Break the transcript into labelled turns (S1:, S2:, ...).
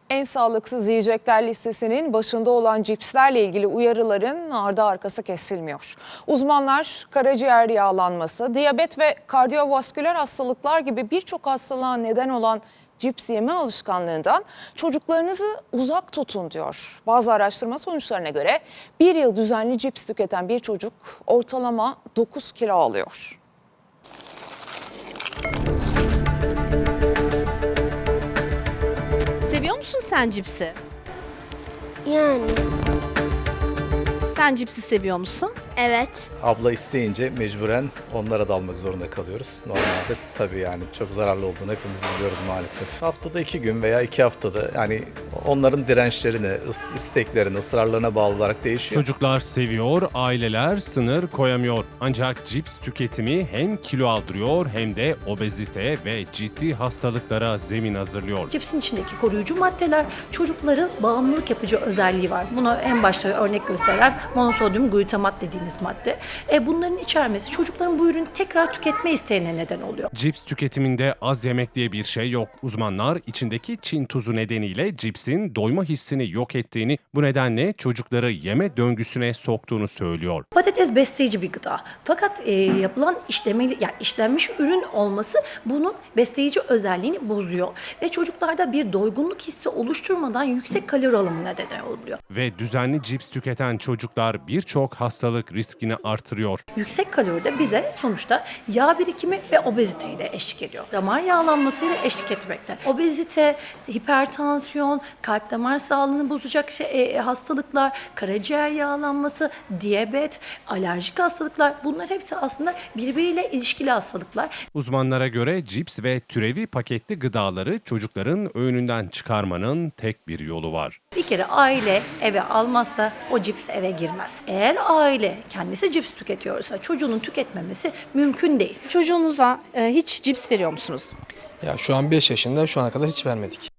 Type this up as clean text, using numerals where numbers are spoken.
S1: En sağlıksız yiyecekler listesinin başında olan cipslerle ilgili uyarıların ardı arkası kesilmiyor. Uzmanlar karaciğer yağlanması, diyabet ve kardiyovasküler hastalıklar gibi birçok hastalığa neden olan cips yeme alışkanlığından çocuklarınızı uzak tutun diyor. Bazı araştırma sonuçlarına göre bir yıl düzenli cips tüketen bir çocuk ortalama 9 kilo alıyor.
S2: Seviyor musun sen cipsi?
S3: Yani
S2: Sen cipsi seviyor musun?
S3: evet.
S4: Abla isteyince mecburen onlara da almak zorunda kalıyoruz. Normalde tabii yani çok zararlı olduğunu hepimiz biliyoruz maalesef. Haftada 2 gün veya 2 haftada yani onların dirençlerine, isteklerine, ısrarlarına bağlı olarak değişiyor.
S5: Çocuklar seviyor, aileler sınır koyamıyor. Ancak cips tüketimi hem kilo aldırıyor hem de obezite ve ciddi hastalıklara zemin hazırlıyor.
S6: Cipsin içindeki koruyucu maddeler çocukların bağımlılık yapıcı özelliği var. Buna en başta örnek gösteren monosodyum glutamat dediğimiz madde. Bunların içermesi çocukların bu ürünü tekrar tüketme isteğine neden oluyor.
S5: Cips tüketiminde az yemek diye bir şey yok. Uzmanlar içindeki Çin tuzu nedeniyle cipsin doyma hissini yok ettiğini, bu nedenle çocukları yeme döngüsüne soktuğunu söylüyor.
S6: Patates besleyici bir gıda. Fakat yapılan işlenmiş ürün olması bunun besleyici özelliğini bozuyor. Ve çocuklarda bir doygunluk hissi oluşturmadan yüksek kalori alımına neden oluyor.
S5: Ve düzenli cips tüketen çocuklar birçok hastalık riskini artırıyor.
S6: Yüksek kalori de bize sonuçta yağ birikimi ve obeziteyi de eşlik ediyor. Damar yağlanmasıyla eşlik etmekte. Obezite, hipertansiyon, kalp damar sağlığını bozacak hastalıklar, karaciğer yağlanması, diyabet, alerjik hastalıklar, bunlar hepsi aslında birbiriyle ilişkili hastalıklar.
S5: Uzmanlara göre cips ve türevi paketli gıdaları çocukların öğününden çıkarmanın tek bir yolu var.
S6: Bir kere aile eve almazsa o cips eve girmez. Eğer aile kendisi cips tüketiyorsa çocuğunun tüketmemesi mümkün değil.
S2: Çocuğunuza hiç cips veriyor musunuz?
S7: Ya şu an 5 yaşında, şu ana kadar hiç vermedik.